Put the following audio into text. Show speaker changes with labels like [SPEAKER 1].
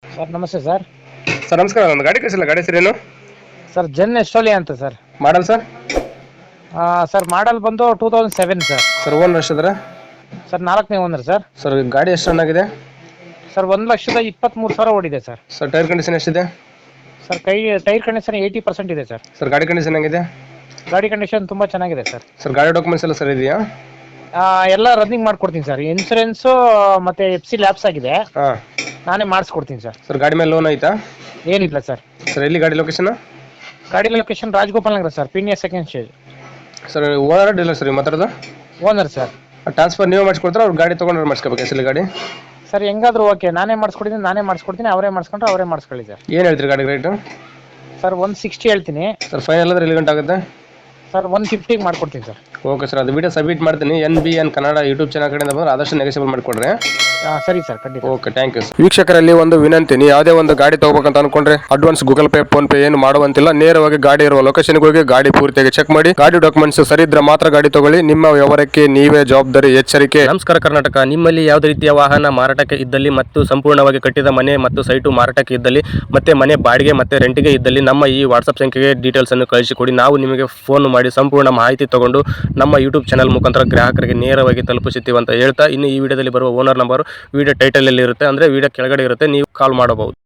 [SPEAKER 1] Sir ನಮಸ್ತೆ sir.
[SPEAKER 2] Sir ನಮಸ್ಕಾರ. ಒಂದು ಗಾಡಿ ಕಳಿಸಿಲ್ಲ, ಗಾಡಿ ಹೆಸರೇನು?
[SPEAKER 1] ಸರ್ ಜೆನ್ ಎಸ್ಟೋಲಿಯಾ ಅಂತ sir.
[SPEAKER 2] Model sir?
[SPEAKER 1] Sir model ಬಂದು 2007 ಸರ್.
[SPEAKER 2] ಸರ್ ಓನ್ ಎಷ್ಟಿದ್ರೆ?
[SPEAKER 1] ಸರ್ 4ನೇ ಓನರ್ ಸರ್.
[SPEAKER 2] ಸರ್ ಗಾಡಿ ಎಷ್ಟು ರನ್ ಆಗಿದೆ?
[SPEAKER 1] ಸರ್ 1,23,000 ಓಡಿದೆ ಸರ್.
[SPEAKER 2] ಸರ್ ಟೈರ್ ಕಂಡೀಷನ್ ಎಷ್ಟಿದೆ?
[SPEAKER 1] ಸರ್ ಟೈರ್ ಕಂಡೀಷನ್ 80% ಇದೆ ಸರ್.
[SPEAKER 2] ಸರ್ ಗಾಡಿ ಕಂಡೀಷನ್ ಹೆಂಗಿದೆ?
[SPEAKER 1] ಗಾಡಿ ಕಂಡೀಷನ್ ತುಂಬ ಚೆನ್ನಾಗಿದೆ ಸರ್.
[SPEAKER 2] ಸರ್ ಗಾಡಿ ಡಾಕ್ಯುಮೆಂಟ್ಸ್ ಎಲ್ಲ ಸರಿ ಇದೆಯಾ?
[SPEAKER 1] ಎಲ್ಲ ರನ್ನಿಂಗ್ ಮಾಡ್ಕೊಡ್ತೀನಿ ಸರ್. ಇನ್ಸೂರೆನ್ಸು ಮತ್ತು FC ಲ್ಯಾಪ್ಸ್ ಆಗಿದೆ,
[SPEAKER 2] ಹಾಂ.
[SPEAKER 1] ನಾನೇ ಮಾಡಿಸ್ಕೊಡ್ತೀನಿ ಸರ್.
[SPEAKER 2] ಸರ್ ಗಾಡಿ ಮೇಲೆ ಲೋನ್ ಆಯ್ತಾ?
[SPEAKER 1] ಏನಿಲ್ಲ ಸರ್.
[SPEAKER 2] ಸರ್ ಎಲ್ಲಿ ಗಾಡಿ ಲೊಕೇಶನ್?
[SPEAKER 1] ಗಾಡಿ location Rajagopal Nagar sir, Peenya second stage.
[SPEAKER 2] Sir owner dealer sir ಮಾತಾಡೋದು?
[SPEAKER 1] Owner sir.
[SPEAKER 2] ಟ್ರಾನ್ಸ್ಫರ್ ನೀವು ಮಾಡಿಸ್ಕೊಡ್ತಾರೆ, ಅವ್ರು ಗಾಡಿ ತೊಗೊಂಡ್ರೆ ಮಾಡಿಸ್ಕೋಬೇಕು ಹೆಸರು ಗಾಡಿ?
[SPEAKER 1] ಸರ್ ಹೆಂಗಾದ್ರೂ ಓಕೆ, ನಾನೇ ಮಾಡಿಸ್ಕೊಡ್ತೀನಿ, ಅವರೇ ಮಾಡಿಸ್ಕೊಂಡ್ರೆ ಅವರೇ ಮಾಡಿಸ್ಕೊಳ್ಳಿ ಸರ್.
[SPEAKER 2] ಏನು ಹೇಳ್ತೀರಿ ಗಾಡಿ ರೇಟು?
[SPEAKER 1] ಸರ್ 160 ಹೇಳ್ತೀನಿ
[SPEAKER 2] ಸರ್ ಫೈನಲ್ ಅಂದ್ರೆ ಎಲ್ಲಿ ಗಂಟೆ ಆಗುತ್ತೆ?
[SPEAKER 1] ಸರ್. 150 ಮಾಡ್ಕೊಡ್ತೀನಿ ಸರ್.
[SPEAKER 2] ಓಕೆ ಸರ್, ಅದು ವಿಡಿಯೋ ಸಬ್ಮಿಟ್ ಮಾಡ್ತೀನಿ. NBN ಕನ್ನಡ ಯೂಟ್ಯೂಬ್ ಚಾನಲ್ ಕಡೆಯಿಂದ ಬಂದ್ರೆ ಆದಷ್ಟು ನೆಗೆಸಿಬಲ್ ಮಾಡಿಕೊಡ್ರಿ.
[SPEAKER 1] ಸರಿ ಸರ್, ಖಂಡಿತ.
[SPEAKER 2] Okay, thank you. ವೀಕ್ಷಕರಲ್ಲಿ ಒಂದು ವಿನಂತಿ, ನೀವು ಯಾವುದೇ ಒಂದು ಗಾಡಿ ತಗೋಬೇಕಂತ ಅನ್ಕೊಂಡ್ರೆ advance Google pay PhonePe ಏನು ಮಾಡುವಂತಿಲ್ಲ. ನೇರವಾಗಿ ಗಾಡಿ ಇರುವ ಲೊಕೇಶನ್ಗೆ ಹೋಗಿ ಗಾಡಿ ಪೂರ್ತಿಯಾಗಿ ಚೆಕ್ ಮಾಡಿ, ಗಾಡಿ ಡಾಕ್ಯುಮೆಂಟ್ಸ್ ಸರಿ ಇದ್ರೆ ಮಾತ್ರ ಗಾಡಿ ತಗೊಳ್ಳಿ. ನಿಮ್ಮ ವ್ಯವಹಾರಕ್ಕೆ ನೀವೇ ಜವಾಬ್ದಾರಿ. ಎಚ್ಚರಿಕೆ.
[SPEAKER 3] ನಮಸ್ಕಾರ ಕರ್ನಾಟಕ. ನಿಮ್ಮಲ್ಲಿ ಯಾವುದೇ ರೀತಿಯ ವಾಹನ ಮಾರಾಟಕ್ಕೆ ಇದ್ದಲ್ಲಿ ಮತ್ತು ಸಂಪೂರ್ಣವಾಗಿ ಕಟ್ಟಿದ ಮನೆ ಮತ್ತು ಸೈಟು ಮಾರಾಟಕ್ಕೆ ಇದ್ದಲ್ಲಿ ಮತ್ತೆ ಮನೆ ಬಾಡಿಗೆ ಮತ್ತೆ ರೆಂಟಿಗೆ ಇದ್ದಲ್ಲಿ ನಮ್ಮ ಈ ವಾಟ್ಸ್ಆಪ್ ಸಂಖ್ಯೆಗೆ ಡೀಟೇಲ್ಸ್ ಅನ್ನು ಕಳಿಸಿಕೊಡಿ. ನಾವು ನಿಮಗೆ ಫೋನ್ ಮಾಡಿ ಸಂಪೂರ್ಣ ಮಾಹಿತಿ ತಗೊಂಡು ನಮ್ಮ ಯೂಟ್ಯೂಬ್ ಚಾನಲ್ ಮುಖಾಂತರ ಗ್ರಾಹಕರಿಗೆ ನೇರವಾಗಿ ತಲುಪಿಸುತ್ತೀವಿ ಅಂತ ಹೇಳ್ತಾ, ಇನ್ನು ಈ ವಿಡಿಯೋದಲ್ಲಿ ಬರುವ ಓನರ್ ನಂಬರ್ ವಿಡಿಯೋ ಟೈಟಲ್ ಅಲ್ಲಿ ಇರುತ್ತೆ, ಅಂದ್ರೆ ವಿಡಿಯೋ ಕೆಳಗಡೆ ಇರುತ್ತೆ, ನೀವು ಕಾಲ್ ಮಾಡಬಹುದು.